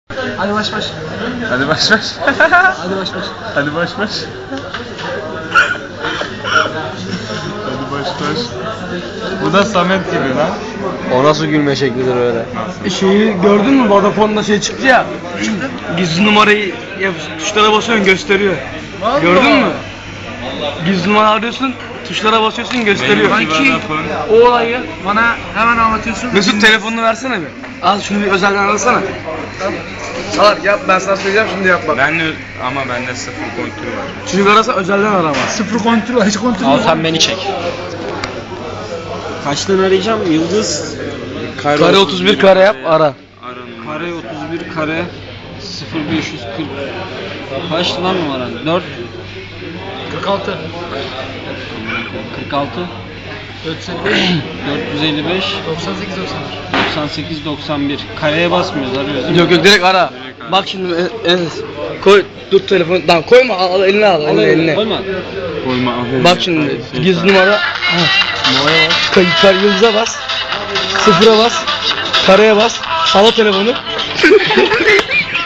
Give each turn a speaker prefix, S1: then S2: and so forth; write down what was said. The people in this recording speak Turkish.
S1: Hadi baş baş.
S2: Hadi baş baş.
S1: Hadi baş baş.
S2: Hadi baş baş. Hadi baş baş. Bu da Samet gibi lan.
S3: O nasıl gülme şeklidir öyle?
S1: Şeyi gördün mü? Vodafone'da şey çıktı ya. Gizli numarayı tuşlara basıyorsun gösteriyor. Gördün mü? Gizli numara arıyorsun, tuşlara basıyorsun gösteriyor.
S2: Benimki
S1: O olayı bana hemen anlatıyorsun. Mesut telefonunu versene bir. Al şunu bir özelden arasana. Salak yap, ben sana söyleyeceğim şimdi yap bak.
S2: Ama bende sıfır kontrol var.
S1: Çocuk arasa özelden arama. Sıfır kontrol var, hiç kontrol
S3: Al sen beni çek. Kaçtan arayacağım? Yıldız.
S1: Kare 31 kare yap ara.
S3: Kare 31 kare 0540. Kaç lan numaran? 4
S1: 46.
S3: 46 455
S1: 98
S3: 98 91. Kareye basmıyoruz, arıyoruz. Değil mi?
S1: Yok direkt ara. Bak şimdi koy dur telefonu. Tamam koyma al eline al eline.
S3: Koyma.
S2: Koyma aferin.
S1: Bak şimdi gizli numara.
S3: Numaraya bas.
S1: Yıldıza bas. Sıfıra bas. Kareye bas. Sala telefonu.